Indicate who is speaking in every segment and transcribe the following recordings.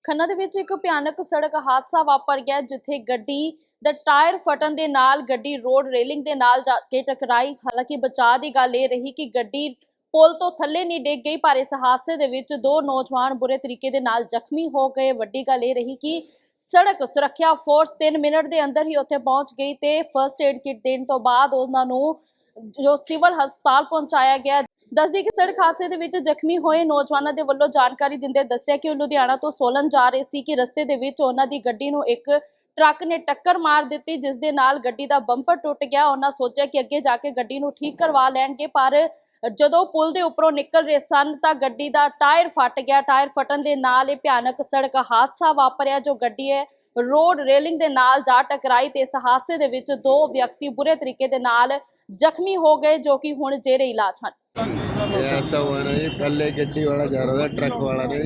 Speaker 1: ਖੰਨਾ ਦੇ ਵਿੱਚ ਇੱਕ ਭਿਆਨਕ ਸੜਕ ਹਾਦਸਾ ਵਾਪਰ ਗਿਆ ਜਿੱਥੇ ਗੱਡੀ ਦਾ ਟਾਇਰ ਫਟਣ ਦੇ ਨਾਲ ਗੱਡੀ ਰੋਡ ਰੇਲਿੰਗ ਦੇ ਨਾਲ ਜਾ ਕੇ ਟਕਰਾਈ। ਹਾਲਾਂਕਿ ਬਚਾਅ ਦੀ ਗੱਲ ਇਹ ਰਹੀ ਕਿ ਗੱਡੀ ਪੁਲ ਤੋਂ ਥੱਲੇ ਨਹੀਂ ਡਿੱਗ ਗਈ, ਪਰ ਇਸ ਹਾਦਸੇ ਦੇ ਵਿੱਚ ਦੋ ਨੌਜਵਾਨ ਬੁਰੇ ਤਰੀਕੇ ਦੇ ਨਾਲ ਜ਼ਖਮੀ ਹੋ ਗਏ। ਵੱਡੀ ਗੱਲ ਇਹ ਰਹੀ ਕਿ ਸੜਕ ਸੁਰੱਖਿਆ ਫੋਰਸ 3 ਮਿੰਟ ਦੇ ਅੰਦਰ ਹੀ ਉੱਥੇ ਪਹੁੰਚ ਗਈ ਤੇ ਫਰਸਟ ਏਡ ਕਿਟ ਦੇਣ ਤੋਂ ਬਾਅਦ ਉਹਨਾਂ ਨੂੰ ਜੋ ਸਿਵਲ ਹਸਪਤਾਲ ਪਹੁੰਚਾਇਆ ਗਿਆ। ਦੱਸਦੀ ਕਿ ਸੜਕ ਹਾਦਸੇ ਦੇ ਵਿੱਚ ਜ਼ਖਮੀ ਹੋਏ ਨੌਜਵਾਨਾਂ ਦੇ ਵੱਲੋਂ ਜਾਣਕਾਰੀ ਦਿੰਦੇ ਦੱਸਿਆ ਕਿ ਉਹ ਲੁਧਿਆਣਾ ਤੋਂ ਸੋਲਨ ਜਾ ਰਹੇ ਸੀ ਕਿ ਰਸਤੇ ਦੇ ਵਿੱਚ ਉਹਨਾਂ ਦੀ ਗੱਡੀ ਨੂੰ ਇੱਕ ਟਰੱਕ ਨੇ ਟੱਕਰ ਮਾਰ ਦਿੱਤੀ, ਜਿਸ ਦੇ ਨਾਲ ਗੱਡੀ ਦਾ ਬੰਪਰ ਟੁੱਟ ਗਿਆ। ਉਹਨਾਂ ਸੋਚਿਆ ਕਿ ਅੱਗੇ ਜਾ ਕੇ ਗੱਡੀ ਨੂੰ ਠੀਕ ਕਰਵਾ ਲੈਣਗੇ, ਪਰ ਜਦੋਂ ਪੁਲ ਦੇ ਉੱਪਰੋਂ ਨਿਕਲ ਰਹੇ ਸਨ ਤਾਂ ਗੱਡੀ ਦਾ ਟਾਇਰ ਫਟ ਗਿਆ। ਟਾਇਰ ਫਟਣ ਦੇ ਨਾਲ ਇਹ ਭਿਆਨਕ ਸੜਕ ਹਾਦਸਾ ਵਾਪਰਿਆ ਜੋ ਗੱਡੀ ਹੈ ਰੋਡ ਰੇਲਿੰਗ ਦੇ ਨਾਲ ਜਾ ਟਕਰਾਈ ਤੇ ਇਸ ਹਾਦਸੇ ਦੇ ਵਿੱਚ ਦੋ ਵਿਅਕਤੀ ਬੁਰੇ ਤਰੀਕੇ ਦੇ ਨਾਲ ਜ਼ਖਮੀ ਹੋ गए जो कि हुण जेरे इलाज हैं।
Speaker 2: ऐसा हुआ ना जी, पहले गड्डी वाला जा रहा था, ट्रक वाला ने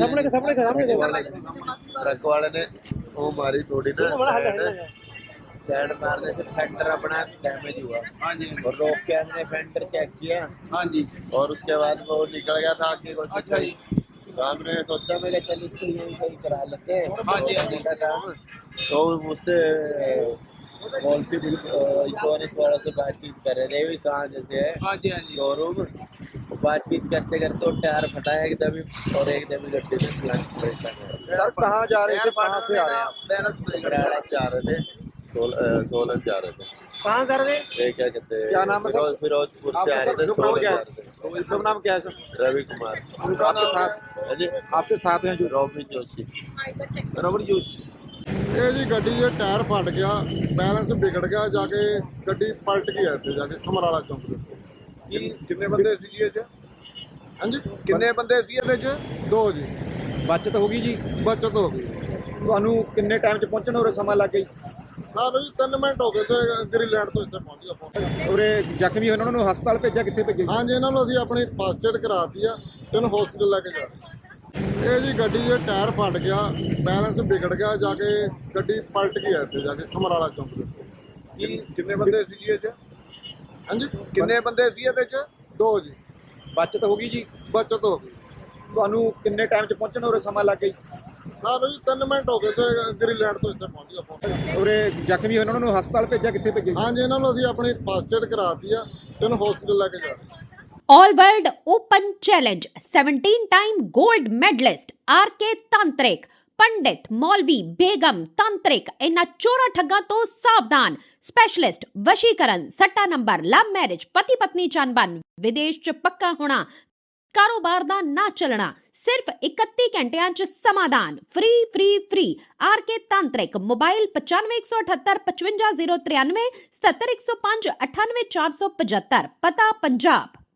Speaker 2: ट्रक वाले ने वो मारी थोड़ी ना साइड मारने से फेंडर अपना डैमेज हुआ और रोक के हमने फेंडर चेक किया और उसके बाद वो निकल गया था आगे को। अच्छा जी, तो हमने सोचा मैं चल इसको यही सही करा लेते हैं काम। तो मुझसे इंश्योरेंस वालों से बातचीत कर रहे थे भी कहाँ जैसे है शोरूम। बातचीत करते करते वो टायर फटा एकदम और एकदम गड्डी में सर कहाँ जा रहे थे, कहाँ से आ रहे हैं? बड़ाला से आ रहे थे, सोलन जा रहे थे।
Speaker 3: कहाँ कर रहे हैं?
Speaker 2: क्या कहते हैं,
Speaker 3: क्या नाम है सर?
Speaker 2: फिरोजपुर से आ रहे थे, सोलन जा रहे थे।
Speaker 3: शुभ नाम क्या है सर?
Speaker 2: रवि कुमार।
Speaker 3: आपके साथ आपके साथ हैं जो
Speaker 2: रॉबिन जोशी।
Speaker 3: रबड़ जोशी।
Speaker 4: ਇਹ ਜੀ ਗੱਡੀ ਦੇ ਟਾਇਰ ਫਟ ਗਿਆ, ਬੈਲੈਂਸ ਵਿਗੜ ਗਿਆ, ਜਾ ਕੇ ਗੱਡੀ ਪਲਟ ਗਈ ਇੱਥੇ ਜਾ ਕੇ ਸਮਰਾਲਾ ਚੌਂਕ ਦੇ ਉੱਤੇ।
Speaker 3: ਕਿੰਨੇ ਬੰਦੇ ਸੀ ਜੀ ਇਹ 'ਚ?
Speaker 4: ਹਾਂਜੀ,
Speaker 3: ਕਿੰਨੇ ਬੰਦੇ ਸੀ ਇਹਦੇ 'ਚ?
Speaker 4: ਦੋ ਜੀ।
Speaker 3: ਬਚਤ ਹੋ ਗਈ ਜੀ।
Speaker 4: ਬਚਤ ਹੋ ਗਈ।
Speaker 3: ਤੁਹਾਨੂੰ ਕਿੰਨੇ ਟਾਈਮ 'ਚ ਪਹੁੰਚਣ ਉਰੇ ਸਮਾਂ ਲੱਗ ਗਈ?
Speaker 4: ਸਾਨੂੰ ਜੀ 3 ਮਿੰਟ ਹੋ ਗਏ ਤੇ ਗ੍ਰੀਨਲੈਂਡ ਤੋਂ ਇੱਥੇ ਪਹੁੰਚ ਗਿਆ।
Speaker 3: ਉਰੇ ਜ਼ਖਮੀ ਹੋਏ ਉਹਨਾਂ ਨੂੰ ਹਸਪਤਾਲ ਭੇਜਿਆ, ਕਿੱਥੇ ਭੇਜਿਆ?
Speaker 4: ਹਾਂਜੀ, ਇਹਨਾਂ ਨੂੰ ਅਸੀਂ ਆਪਣੀ ਫਸਟ ਏਡ ਕਰਾਤੀ ਆ, ਤੈਨੂੰ ਹਸਪੀਟਲ ਲੈ ਕੇ ਜਾ ਰਹੇ। ਇਹ ਜੀ ਗੱਡੀ ਦੇ ਟਾਇਰ ਫਟ ਗਿਆ, ਬੈਲੈਂਸ ਵਿਗੜ ਗਿਆ, ਜਾ ਕੇ ਗੱਡੀ ਪਲਟ ਗਈ ਇੱਥੇ ਜਾ ਕੇ ਸਮਰਾਲਾ ਚੌਂਕ ਦੇ ਉੱਤੇ।
Speaker 3: ਕਿੰਨੇ ਬੰਦੇ ਸੀ ਜੀ ਇਹ 'ਚ?
Speaker 4: ਹਾਂਜੀ,
Speaker 3: ਕਿੰਨੇ ਬੰਦੇ ਸੀ ਇਹਦੇ 'ਚ?
Speaker 4: ਦੋ ਜੀ।
Speaker 3: ਬਚਤ ਹੋ ਗਈ ਜੀ।
Speaker 4: ਬਚਤ ਹੋ ਗਈ।
Speaker 3: ਤੁਹਾਨੂੰ ਕਿੰਨੇ ਟਾਈਮ 'ਚ ਪਹੁੰਚਣ ਉਰੇ ਸਮਾਂ ਲੱਗ ਗਈ?
Speaker 4: ਸਾਨੂੰ ਜੀ 3 ਮਿੰਟ ਹੋ ਗਏ ਤੇ ਗ੍ਰੀਨਲੈਂਡ ਤੋਂ ਇੱਥੇ ਪਹੁੰਚ ਗਿਆ।
Speaker 3: ਉਰੇ ਜ਼ਖਮੀ ਹੋਏ ਉਹਨਾਂ ਨੂੰ ਹਸਪਤਾਲ ਭੇਜਿਆ, ਕਿੱਥੇ ਭੇਜਿਆ?
Speaker 4: ਹਾਂਜੀ, ਇਹਨਾਂ ਨੂੰ ਅਸੀਂ ਆਪਣੀ ਫਸਟ ਏਡ ਕਰਾਤੀ ਆ, ਤੈਨੂੰ ਹਸਪੀਟਲ ਲੈ ਕੇ ਜਾ ਰਹੇ।
Speaker 5: All World Open Challenge 17-time gold medalist RK तांत्रिक पंडित मौलवी बेगम तांत्रिक इन्ना चोरा ठग्गां तो सावधान। स्पेशलिस्ट वशीकरण, सट्टा नंबर, लव मैरिज, पति पत्नी चनबन, विदेश च पक्का होना, कारोबार दा ना चलना, सिर्फ 31 घंटियां च समाधान। फ्री RK तांत्रिक। मोबाइल 95 178 55 093 77 105 98 475। पता पंजाब।